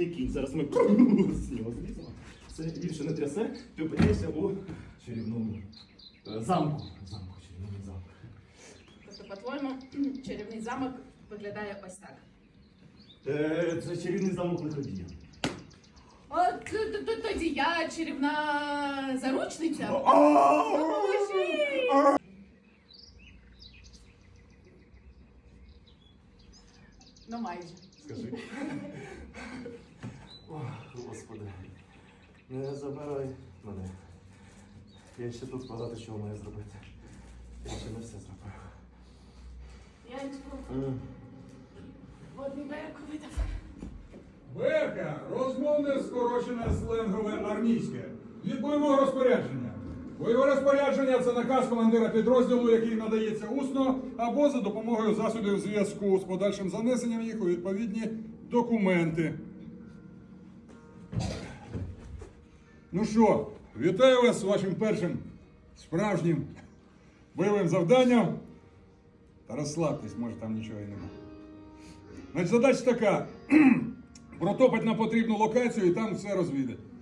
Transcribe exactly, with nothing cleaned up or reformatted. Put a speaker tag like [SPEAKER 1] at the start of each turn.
[SPEAKER 1] чарівний кінь. Зараз ми з нього зліземо. Це більше не трясе, ти опиняєшся у чарівному е, замку. Замку, чарівному замку.
[SPEAKER 2] Тобто, по-твоєму, чарівний замок виглядає ось так.
[SPEAKER 1] Е, Це чарівний замок лиходія.
[SPEAKER 2] От т- т- т- тоді я чарівна заручниця. Допоможіть! Ну майже.
[SPEAKER 1] Скажи. О, Господи, не забирай мене. Я ще тут багато чого маю зробити. Я ще не все зробив.
[SPEAKER 2] Янечко,
[SPEAKER 1] Е,
[SPEAKER 2] водний берег видав.
[SPEAKER 3] Берка, розмовне скорочене сленгове армійське. Від бойового розпорядження. Бойове розпорядження – це наказ командира підрозділу, який надається усно або за допомогою засобів зв'язку з подальшим занесенням їх у відповідні документи. Ну що, вітаю вас з вашим першим справжнім бойовим завданням. Та розслабтесь, може там нічого і немає. Значить, задача така. Протопать на потрібну локацію і там все розвідати.